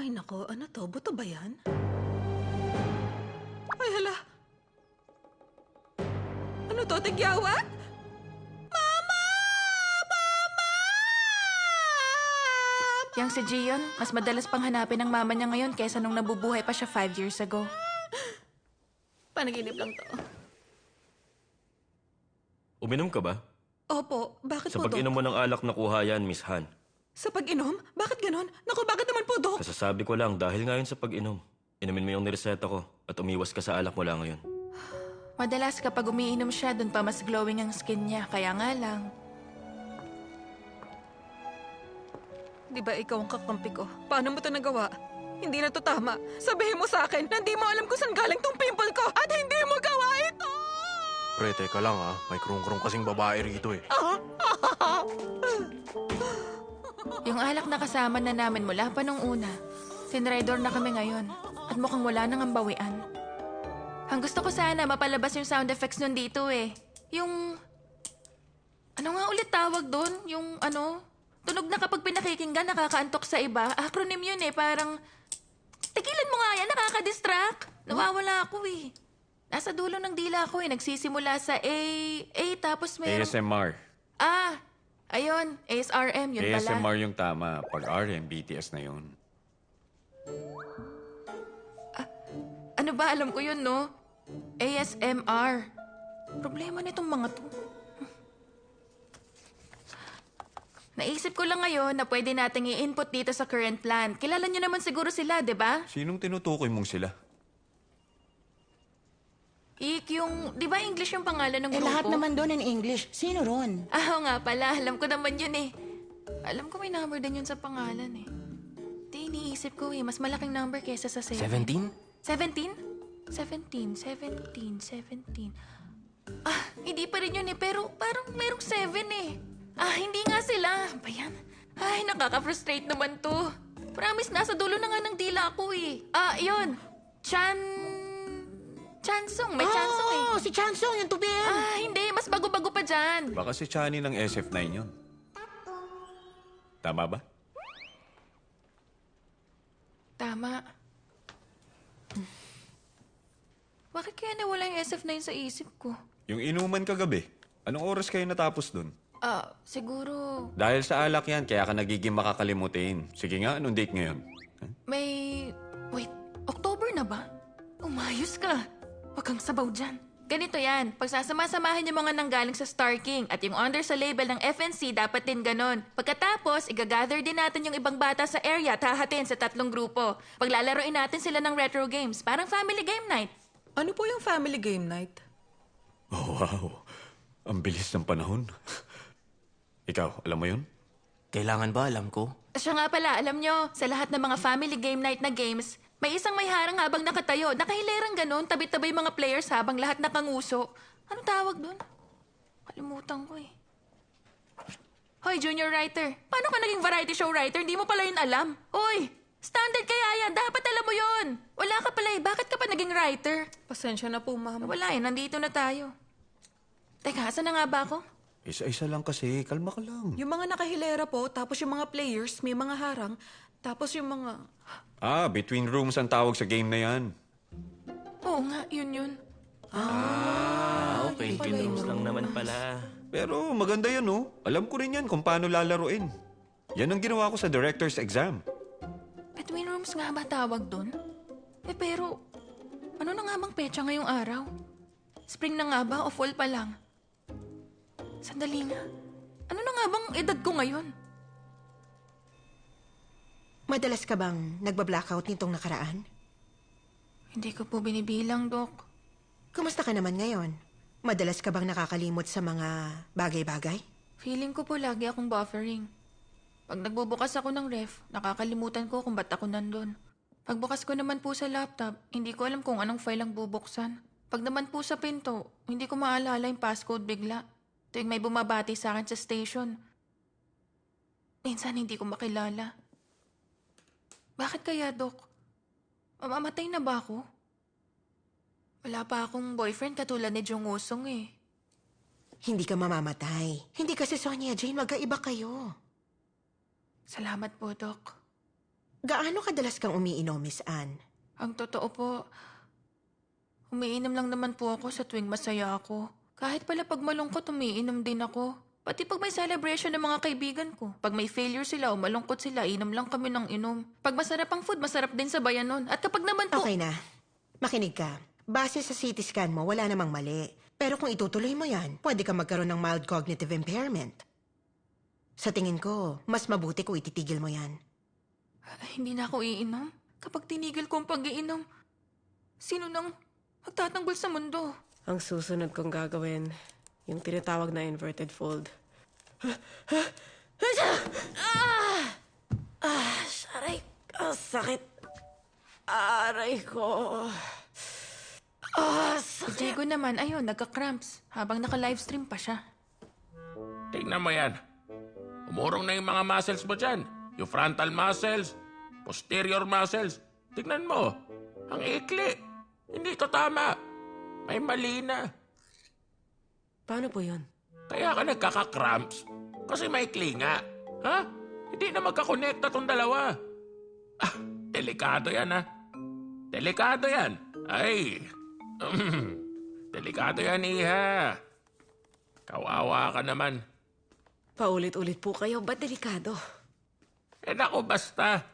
Ay nako, ano to? Buto ba yan? Ay hala! Ano to? Tigyawat? Mama! Mama! Yang si Gion, mas madalas pang hanapin ng mama niya ngayon kaysa nung nabubuhay pa siya 5 years ago. Panaginip lang to. Uminom ka ba? Opo, bakit Sa po, Dok? pag-inom mo ng alak nakuha yan, Miss Han. Sa pag-inom? Bakit ganon? Naku, bakit naman po, Dok? Kasasabi ko lang, dahil ngayon sa pag-inom, inumin mo yung nireseta ko at umiwas ka sa alak mula ngayon. Madalas kapag umiinom siya, dun pa mas glowing ang skin niya. Kaya nga lang. Di ba ikaw ang kakampi ko? Paano mo to nagawa? Hindi na to tama. Sabihin mo sa akin na hindi mo alam kung saan galing tong pimple ko at hindi mo gawa ito! Pre, teka lang ha. May krung-krung kasing babae rito eh. Yung alak na kasama na namin mula pa nung una. Tinraidor na kami ngayon. At mukhang wala nang ambawian. Ang gusto ko sana mapalabas yung sound effects nun dito eh. Yung... Ano nga ulit tawag doon? Yung ano... Tunog na kapag pinakikinggan nakakaantok sa iba. Acronym yun eh, parang... Tigilan mo nga yan, nakaka-distract. Nawawala ako eh. Nasa dulo ng dila ko eh. Nagsisimula sa A tapos may... ASMR. Ah! Ayun, ASRM, yun pala. ASMR yung tama. Pag RM, BTS na yun. Ano ba, alam ko yun, no? ASMR. Problema nitong mga to. Naisip ko lang ngayon na pwede nating i-input dito sa current plan. Kilala niyo naman siguro sila, di ba? Sinong tinutukoy mong sila? Yung... Di ba English yung pangalan ng grupo? lahat naman doon in English. Sino ron? Ah, oo nga pala. Alam ko naman yun eh. Alam ko may number din yun sa pangalan eh. Di, iniisip ko eh. Mas malaking number kesa sa 7. 17? 17? 17. Ah, hindi pa rin yun eh. Pero parang merong 7 eh. Ah, hindi nga sila. Ba yan? Ay, nakaka-frustrate naman to. Promise, nasa dulo na nga ng dila ko eh. Ah, yun. Chansung. May Chansung eh. Oh, si Chansung, yung tubig. Ah, hindi. Mas bago-bago pa dyan. Baka si Chani ng SF9 yun. Tama ba? Tama. Bakit kaya nawala yung SF9 sa isip ko? Yung inuman kagabi. Anong oras kayo natapos dun? Ah, siguro... Dahil sa alak yan, kaya ka nagiging makakalimutin. Sige nga, anong date ngayon? May... Wait, October na ba? Umayos ka. Huwag kang sabaw dyan. Ganito yan. Pagsasama-samahin yung mga nanggaling sa Star King at yung under sa label ng FNC dapat din ganon. Pagkatapos, igagather din natin yung ibang bata sa area at hahatiin sa 3 grupo. Paglalaroin natin sila ng retro games. Parang family game night. Ano po yung family game night? Oh, wow. Ang bilis ng panahon. Ikaw, alam mo yun? Kailangan ba alam ko? Siya nga pala, alam nyo, sa lahat ng mga family game night na games, may isang may harang habang nakatayo. Nakahilerang ganon, tabi-tabi yung mga players habang lahat nakanguso. Anong tawag doon? Kalimutan ko eh. Hoy, junior writer. Paano ka naging variety show writer? Hindi mo pala yun alam. Uy, standard kaya yan. Dapat alam mo yun. Wala ka pala eh. Bakit ka pa naging writer? Pasensya na po, ma'am. Wala eh, nandito na tayo. Teka, saan na nga ba ako? Isa-isa lang kasi. Kalma ka lang. Yung mga nakahilera po, tapos yung mga players, may mga harang, tapos yung mga... Ah, between rooms ang tawag sa game na yan. Oo nga, yun. Okay, pinrooms lang naman pala. Pero maganda yan, oh. Alam ko rin yan kung paano lalaruin. Yan ang ginawa ko sa director's exam. Between rooms nga ba tawag doon? Eh pero, ano na nga bang petsa ngayong araw? Spring na nga ba o fall pa lang? Sandali nga. Ano na nga bang edad ko ngayon? Madalas ka bang nagba-blackout nitong nakaraan? Hindi ko po binibilang, Dok. Kumusta ka naman ngayon? Madalas ka bang nakakalimot sa mga bagay-bagay? Feeling ko po lagi akong buffering. Pag nagbubukas ako ng ref, nakakalimutan ko kung ba't ako nandun. Pagbukas ko naman po sa laptop, hindi ko alam kung anong file ang bubuksan. Pag naman po sa pinto, hindi ko maalala yung passcode bigla. Tuwing may bumabati sa akin sa station. Minsan hindi ko makilala. Bakit kaya, Dok? Mamamatay na ba ako? Wala pa akong boyfriend katulad ni Jung Woo-sung eh. Hindi ka mamamatay. Hindi kasi Sonia Jane, magkaiba kayo. Salamat po, Dok. gaano kadalas kang umiinom, Miss Anne? Ang totoo po, umiinom lang naman po ako sa tuwing masaya ako. Kahit pala pag malungkot, umiinom din ako. Pati pag may celebration ng mga kaibigan ko. Pag may failure sila o malungkot sila, inom lang kami ng inom. Pag masarap ang food, masarap din sabayan nun. At kapag naman po... Okay na. Makinig ka. Base sa CT scan mo, wala namang mali. Pero kung itutuloy mo yan, pwede ka magkaroon ng mild cognitive impairment. Sa tingin ko, mas mabuti kung ititigil mo yan. Hindi na ako iinom. Kapag tinigil ko ang pag-iinom, sino nang magtatanggol sa mundo? Ang susunod kong gagawin, yung tinatawag na inverted fold. Aray, sakit. Aray ko. Si Diego naman, ayun, nagka-cramps habang naka-livestream pa siya. Tingnan mo yan. Umurong na yung mga muscles mo dyan. Yung frontal muscles, posterior muscles. Tingnan mo. Ang ikli. Hindi ito tama. May mali na. Paano po yun? Kaya ka nagkaka-cramps. Kasi maikli nga. Ha? Hindi na magkakonekta tong dalawa. Delikado yan, ha? Delikado yan. Ay. Delikado yan, iha. Kawawa ka naman. Paulit-ulit po kayo. Ba't delikado? Naku, basta.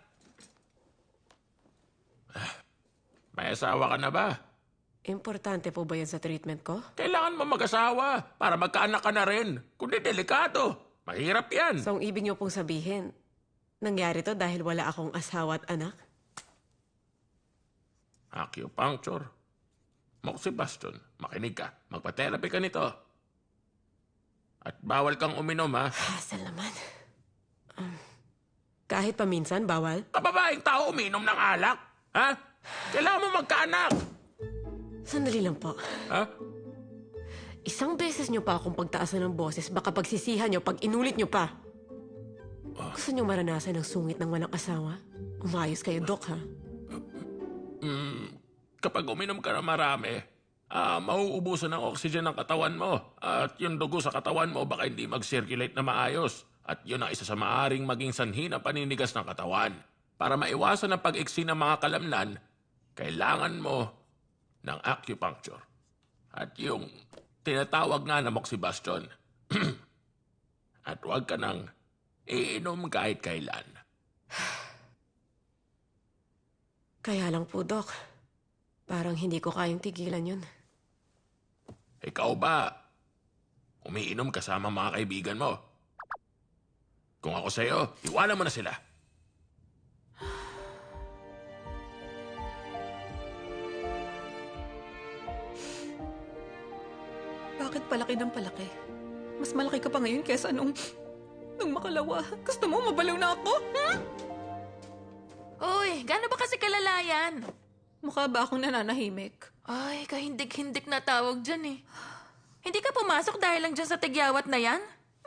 May asawa ka na ba? Importante po ba yan sa treatment ko? Kailangan mo mag-asawa para magkaanak ka na rin. Kundi delikado. Mahirap yan. So, ang ibig niyo pong sabihin, nangyari to dahil wala akong asawa at anak? Acupuncture. Moxibustion, makinig ka. Magpa-therapy ka nito. At bawal kang uminom, ha? Hassle naman. Kahit paminsan, bawal? Kababaeng tao uminom ng alak. Ha? Kailangan mo magkaanak. Sandali lang po. Ha? Isang beses niyo pa akong pagtaasan ng boses, baka pagsisihan niyo pag inulit niyo pa. Gusto niyo maranasan ang sungit ng walang asawa? Umayos kayo, Dok, ha? Kapag uminom ka na marami, mauubusan ng oxygen ng katawan mo. At yung dugo sa katawan mo baka hindi mag-circulate na maayos. At yun ang isa sa maaring maging sanhi ng paninigas ng katawan. Para maiwasan ang pag-iksi ng mga kalamnan, kailangan mo ng acupuncture. At yung tinatawag nga na moxibustion. At huwag ka nang iinom kahit kailan. Kaya lang po, Dok. Parang hindi ko kayang tigilan yun. Ikaw ba, umiinom kasama mga kaibigan mo? Kung ako sa'yo, iwanan mo na sila. Bakit palaki ng palaki? Mas malaki ka pa ngayon kesa nung makalawa. Gusto mo mabalaw na ako? Uy, gaano ba kasi kalalayan? Mukha ba akong nananahimik? Ay, kahindik-hindik na tawag dyan eh. Hindi ka pumasok dahil lang dyan sa tigyawat na yan?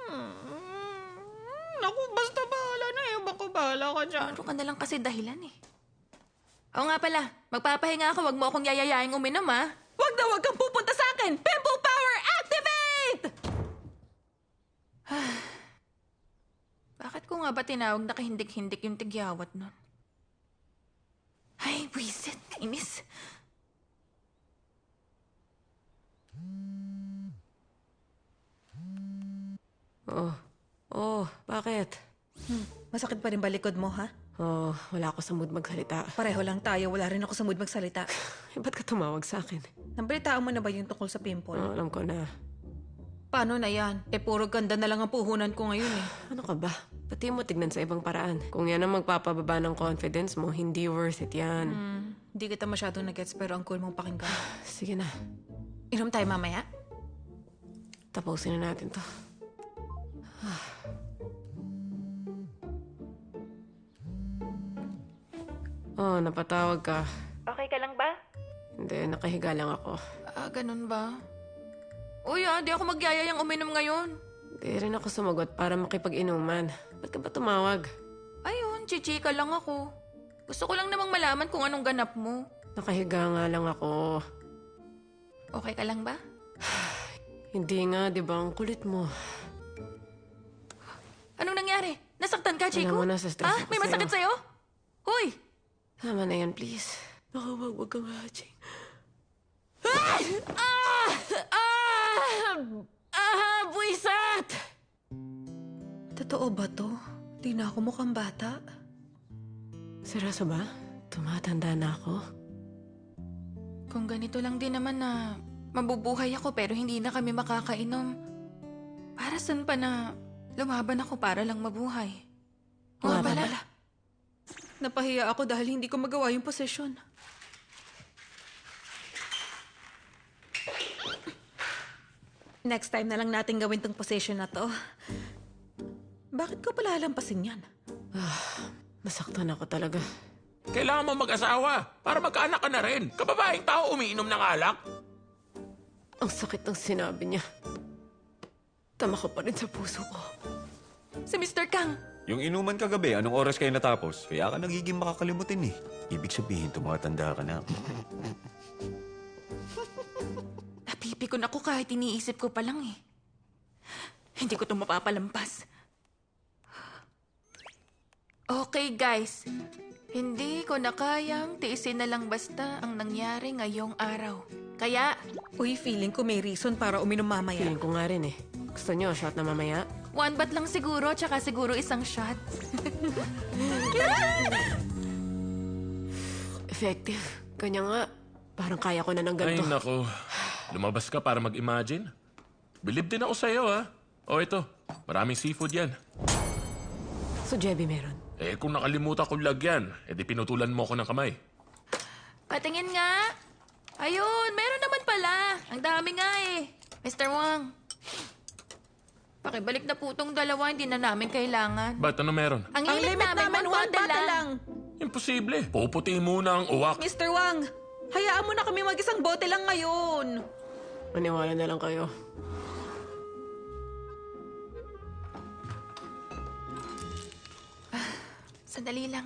Naku, basta bahala na eh. Baka bahala ka dyan. Ano ka na lang kasi dahilan eh. Oo nga pala, magpapahinga ako, wag mo akong yayayaing uminom ha. Wag na wag kang pupunta sa akin! Pimple power activate! Bakit ko nga ba tinawag na kahindik-hindik yung tigyawat nun? Ay, buisit, kainis. Bakit? Masakit pa rin ba likod mo, ha? Wala ako sa mood magsalita. Pareho lang tayo. Wala rin ako sa mood magsalita. Ba't ka tumawag sa akin? Nabalitaan mo na ba yung tungkol sa pimple? Alam ko na. Paano na yan? Puro ganda na lang ang puhunan ko ngayon eh. Ano ka ba? Pati mo tignan sa ibang paraan. Kung yan ang magpapababa ng confidence mo, hindi worth it yan. Hindi kita masyadong nag-gets pero ang cool mong pakinggan. Sige na. Inom tayo mamaya? Tapusin na natin to. Napatawag ka. Okay ka lang ba? Hindi, nakahiga lang ako. Ganun ba? Uy, di ako magyayayang uminom ngayon. Hindi rin ako sumagot para makipag-inuman. Ba't ka ba tumawag? Ayun, chichika lang ako. Gusto ko lang namang malaman kung anong ganap mo. Nakahiga nga lang ako. Okay ka lang ba? Hindi nga, di ba? Ang kulit mo. Anong nangyari? Nasaktan ka, Chico? Alam mo, nasa stress ako May masakit sa'yo? Hoy! Tama na yan, please. Baka wag kang hatching. Buwisat! Totoo ba to? Di na ako mukhang bata. Seryoso ba? Tumatanda na ako? Kung ganito lang din naman na mabubuhay ako pero hindi na kami makakainom, para saan pa na lumaban ako para lang mabuhay? Nga Nga pala. pala. Napahiya ako dahil hindi ko magawa yung posisyon. Next time na lang natin gawin tong position na to. Bakit ko pala lampasin yan? Nasaktan ako talaga. Kailangan mo mag-asawa para magkaanak ka na rin. Kababaeng tao umiinom ng alak. Ang sakit ng sinabi niya. Tama ko pa rin sa puso ko. Si Mr. Kang! Yung inuman kagabi, anong oras kayo natapos? Kaya ka nagiging makakalimutin eh. Ibig sabihin, tumatanda ka na. Napipikon ako kahit iniisip ko pa lang eh. Hindi ko ito mapapalampas. Okay guys, hindi ko na kayang tiisin na lang basta ang nangyari ngayong araw. Kaya, Uy, feeling ko may reason para uminom mamaya. Feeling ko nga rin eh. Gusto niyo, shot na mamaya? one bat lang siguro, tsaka siguro isang shot. Effective. Kanya nga, parang kaya ko na ng Ay, ganito. nako. Lumabas ka para mag-imagine. Believe din ako sa'yo, ha? O, ito. Maraming seafood yan. So, Jebby meron. Eh, kung nakalimutan kong lagyan, edi pinutulan mo ako ng kamay. Patingin nga. Ayun, meron naman pala. Ang dami nga eh. Mr. Wang. Pakibalik na po tong dalawa, hindi na namin kailangan. Ba't ano meron? Ang Ang limit limit namin, one bottle bottle lang. Imposible. Puputi muna ang uwak. Mr. Wang, hayaan mo na kami mag-isang bote lang ngayon. Maniwala na lang kayo. Sandali lang.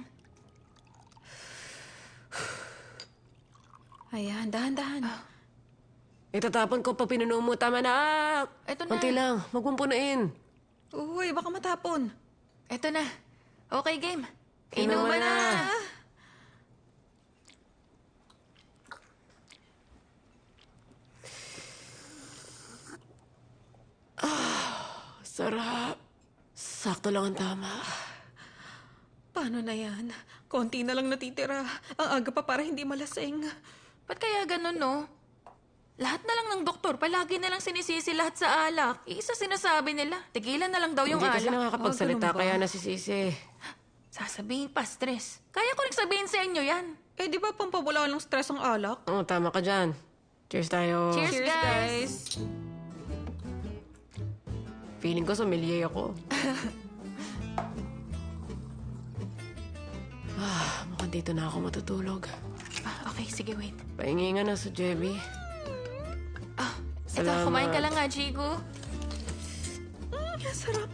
Ayan, dahan-dahan. Itatapon ko pa pinuno mo. Tama na. Eto na. Konti lang. Huwag mong punuin. Uy, baka matapon. Eto na. Okay, game. Inuman Inuman na. na. Sarap. Sakto lang ang tama. Paano na yan? Konti na lang natitira. Ang aga pa para hindi malasing. Ba't kaya ganun, no? Lahat na lang ng doktor, palagi na lang sinisisi lahat sa alak. Isa sinasabi nila, tigilan na lang daw yung Hindi kasi alak. nakakapagsalita ganun ba? kaya nasisisi. Sasabihin pa, stress. Kaya ko rin sabihin sa inyo yan. Eh, di ba pampawala ng stress ang alak? Oo, tama ka dyan. Cheers tayo. Cheers, Cheers, guys. Feeling ko sommelier ako. Mukhang dito na ako matutulog. Okay, sige, wait. Pahingi nga na sa Jebby. Ito, Salamat. kumain ka lang nga, Jigo. Sarap.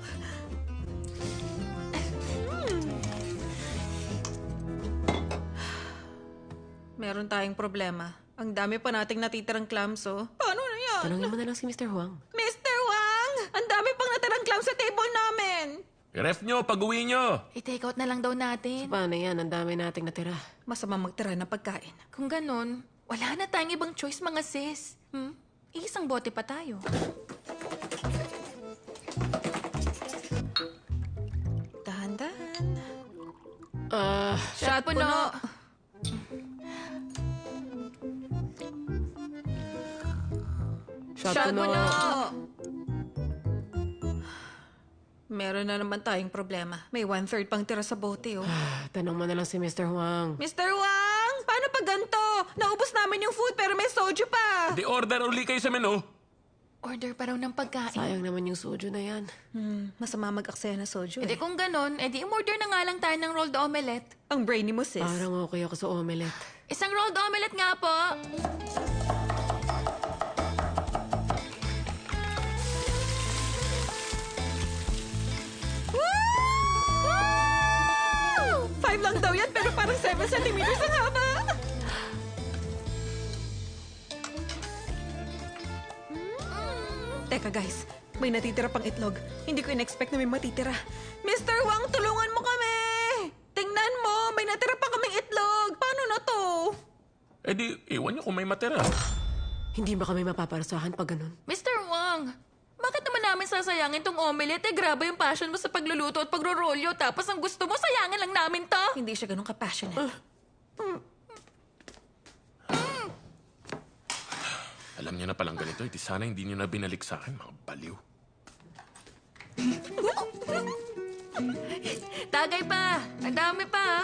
Meron tayong problema. Ang dami pa nating natitirang clams, oh. Paano na yan? Tanongin mo na lang si Mr. Huang. Mr. Wang! Ang dami pang natirang clams sa table namin! I-ref nyo, pag-uwi nyo. I-take out na lang daw natin. Paano yan? Ang dami nating natira. Masama magtira ng pagkain. Kung ganun, wala na tayong ibang choice, mga sis. Isang bote pa tayo. Dahan-dahan. Shot puno. Shot Shot puno. puno. Meron na naman tayong problema. May 1/3 pang tira sa bote, oh. Tanong mo na lang si Mr. Huang. Mr. Wang! Paano pag ganito? Naubos namin yung food pero may soju pa! Di order uli kayo sa menu. Order pa raw ng pagkain. Sayang naman yung soju na yan. Masama mag-aksaya na soju, Edi eh. kung ganun, edi umorder na nga lang tayo ng rolled omelette. Ang brainy mo, sis. Parang okay ako sa omelette. Isang rolled omelette nga po. Woo! 5 lang daw yan pero parang 7 centimeters ang haba! Teka guys, may natitira pang itlog. Hindi ko in-expect na may matitira. Mr. Wang, tulungan mo kami! Tingnan mo, may natira Eh di, iwan niyo kung may matira. Hindi ba kami mapaparasahan pag ganun? Mr. Wang, bakit naman namin sasayangin tong omelette? Eh, grabe yung passion mo sa pagluluto at pagrorolyo. Tapos ang gusto mo, sayangin lang namin to. Hindi siya ganun ka-passionate. Alam niyo na palang ganito, di sana hindi niyo na binalik sa akin, mga baliw. Tagay pa. Ang dami pa.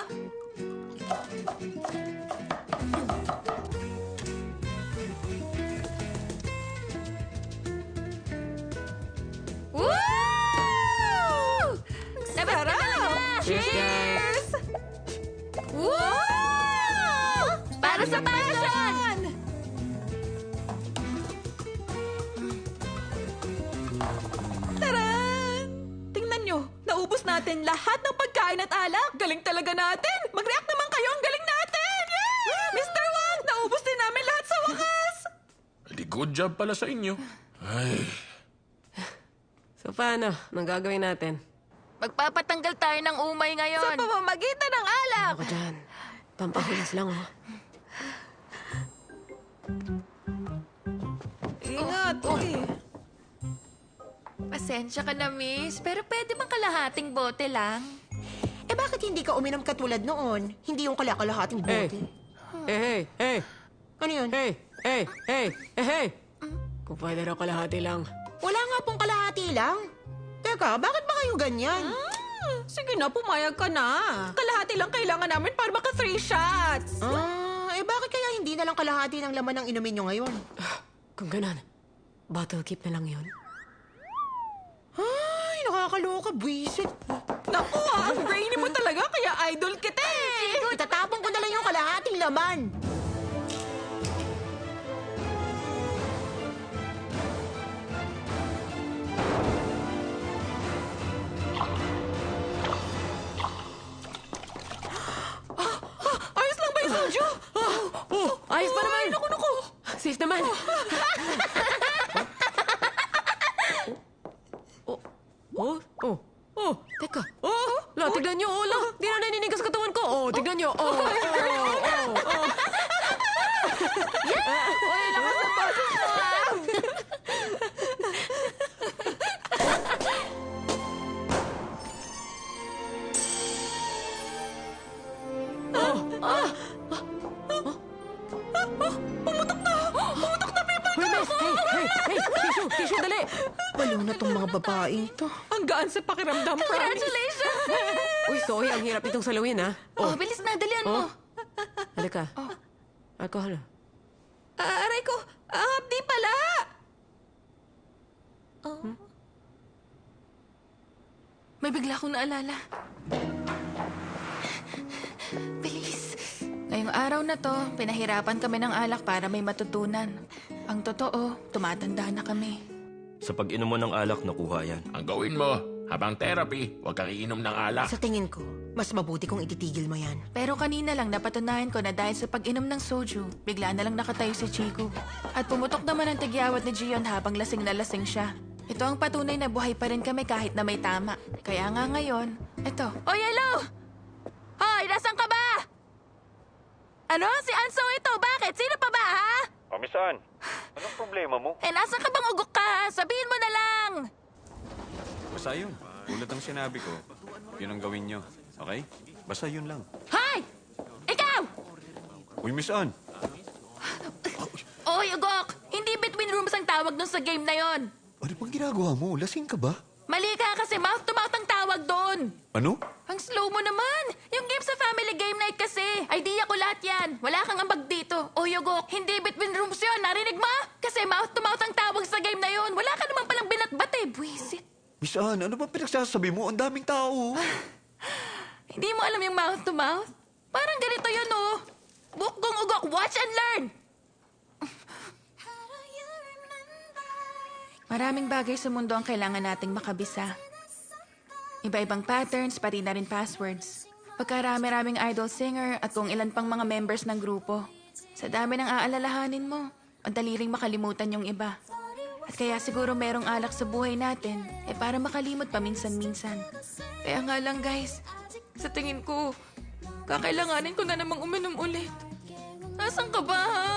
Woo! Sarap! Cheers, guys! Woo! Para sa passion! Taran! Tingnan nyo, naubos natin lahat ng pagkain at alak. Galing talaga natin. Mag-react naman kayo, ang galing natin! Yay! Mr. Wang, naubos din namin lahat sa wakas. Di good job pala sa inyo. Ay, So paano? Anong gagawin natin? Magpapatanggal tayo ng umay Sa ngayon. pamamagitan ng alak. Ako dyan. Pampahulas lang, oh. Ingat, uy. Pasensya ka na, miss. Pero pwede bang kalahating bote lang? Eh bakit hindi ka uminom katulad noon? Hindi yung kalakalahating Hey! bote. Hey! Hey! Ano yun? Hey! Hey! Hey! Hey! Hey! Kung pwede raw kalahati lang. Wala nga pong kalahati lang. Teka, bakit ba kayo ganyan? Sige na, pumayag ka na. Kalahati lang kailangan namin para maka 3 shots. Eh bakit kaya hindi na lang kalahati ng laman ng inumin nyo ngayon? Kung ganon, bottle keep na lang yun. Ay, nakakaloka, buwisit. Naku, ang brainy mo talaga, kaya idol kita eh. Itatapon ko na lang yung kalahating laman. Ayos lang ba yung soju? Ayos pa naman! Naku. Safe naman! Teka. La, tignan nyo, la. Di na naninigas katawan ko. Tignan nyo. Uy, lakas ng boses mo, ah! Hoy, miss! Hey! Tissue, dali! Baliw na tong mga babaeng to. Ang gaan sa pakiramdam, promise. Congratulations! Uy, sorry, ang hirap itong salawin, ha? Oh, bilis na, dalian mo. Halika. Alcohol. Aray ko, di pala. May bigla akong naalala. Bilis. Ngayong araw na to, pinahirapan kami ng alak para may matutunan. Ang totoo, tumatanda na kami. Sa pag-inom mo ng alak, nakuha yan. ang gawin mo, habang therapy, huwag kang iinom ng alak. Sa tingin ko, mas mabuti kung ititigil mo yan. Pero kanina lang napatunayan ko na dahil sa pag-inom ng soju, bigla na lang nakatayo si Chico. At pumutok naman ang tigyawat ni Gion habang lasing na lasing siya. Ito ang patunay na buhay pa rin kami kahit na may tama. Kaya nga ngayon, ito. Oh, hello! Hoy, nasan ka ba? Ano? Si Anso ito? Bakit? Sino pa ba, ha? Misan, anong problema mo? Eh, nasan ka bang ugok ka? Sabihin mo na lang! Basta yun. Tulad ng sinabi ko, yun ang gawin nyo. Okay? Basta yun lang. Hoy! Ikaw! Uy, Miss Ann! Oy, ugok! Hindi between rooms ang tawag dun sa game na yon. Ano bang ginagawa mo? Lasing ka ba? Mali ka kasi mouth-to-mouth ang tawag doon. Ano? Ang slow mo naman. Yung game sa family game night kasi. Idea ko lahat yan. Wala kang ambag dito. O Yugok, hindi between rooms yun. Narinig mo? Kasi mouth-to-mouth ang tawag sa game na yun. Wala ka naman palang binatbat eh. Buisit. Miss Ann, ano ba pinagsasabi mo? Ang daming tao. Hindi mo alam yung mouth-to-mouth? Parang ganito yun oh. Bukgong ugok, watch and learn. Maraming bagay sa mundo ang kailangan nating makabisa. Iba-ibang patterns, pati na rin passwords. Pagkarami-raming idol singer at kung ilan pang mga members ng grupo. Sa dami ng aalalahanin mo, ang dali ring makalimutan yung iba. At kaya siguro merong alak sa buhay natin, para makalimot paminsan-minsan. Kaya nga lang guys, sa tingin ko, kakailanganin ko na namang uminom ulit. Asan ka ba, ha?